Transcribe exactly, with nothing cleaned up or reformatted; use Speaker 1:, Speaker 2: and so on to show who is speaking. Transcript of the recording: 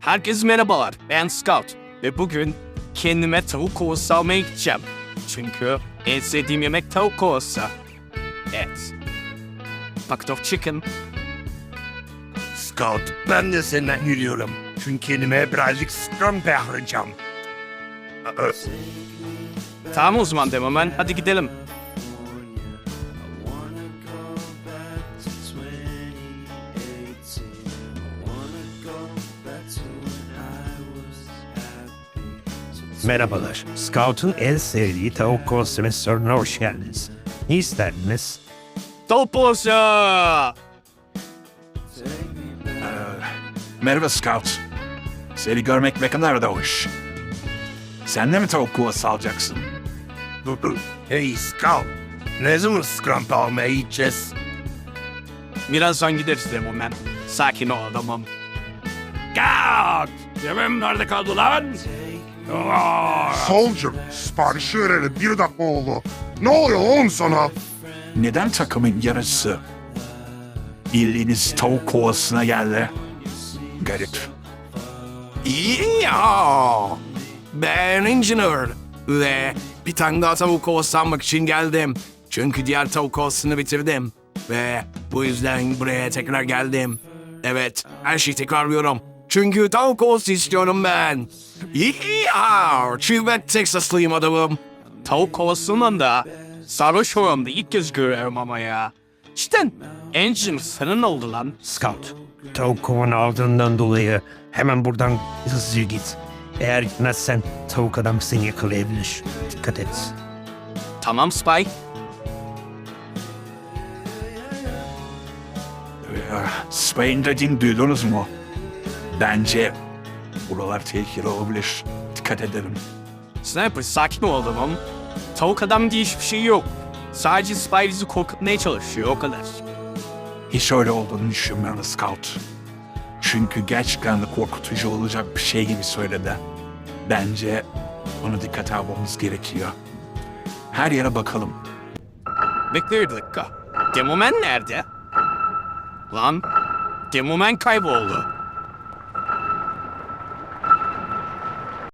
Speaker 1: Herkese merhabalar, ben Scout ve bugün kendime tavuk kovası almaya gideceğim. Çünkü en sevdiğim yemek tavuk kovası. Evet. Bucket of chicken.
Speaker 2: Scout, ben de senden yürüyorum. Çünkü kendime birazcık scrum yapacağım.
Speaker 1: Tamam o zaman Demoman, hadi gidelim.
Speaker 2: Merhabalar. Scout'un en sevdiği tavuk kovası restoranına hoş geldiniz. Ne isterdiniz?
Speaker 1: Tavuk kovası!
Speaker 3: Merhaba Scout. Seni görmek ne kadar da hoş. Sen de mi tavuk kovası alacaksın?
Speaker 2: Hey Scout, ne zaman scrum almaya gideceğiz?
Speaker 1: Birazdan gideriz Demoman. Sakin ol adamım.
Speaker 3: Scout! Yemeğim nerede kaldı lan?
Speaker 4: Soldier, siparişi vereli bir dakika oldu. Ne oluyor oğlum sana?
Speaker 3: Neden takımın yarısı bildiğiniz tavuk kovasına geldi? Garip.
Speaker 1: İyi ya. Ben Engineer ve bir tane daha tavuk kovası almak için geldim. Çünkü diğer tavuk kovasını bitirdim. Ve bu yüzden buraya tekrar geldim. Evet, her şeyi tekrarlıyorum. Çünkü tavuk kovası istiyorum ben. Ya, çünkü ben Texaslıyım adamım. Tavuk kovasından da sarhoş oramda ilk kez görüyorum ama ya. Cidden Engineer senin oldu lan.
Speaker 2: Scout, tavuk kovanı aldığından dolayı hemen buradan hızlıca git. Eğer gitmezsen tavuk adam seni yakalayabilir. Dikkat et.
Speaker 1: Tamam Spike.
Speaker 3: Spain dediğini duydunuz mu? Bence buralar tehlikeli olabilir. Dikkat edelim.
Speaker 1: Sniper sakin ol adamım. Tavuk adam diye hiçbir şey yok. Sadece Spy bizi korkutmaya çalışıyor o kadar.
Speaker 3: Hiç öyle olduğunu düşünmüyorum Scout. Çünkü gerçekten de korkutucu olacak bir şey gibi söyledi. Bence bunu dikkate almamız gerekiyor. Her yere bakalım.
Speaker 1: Bekle bir dakika. Demoman nerede? Lan, Demoman kayboldu.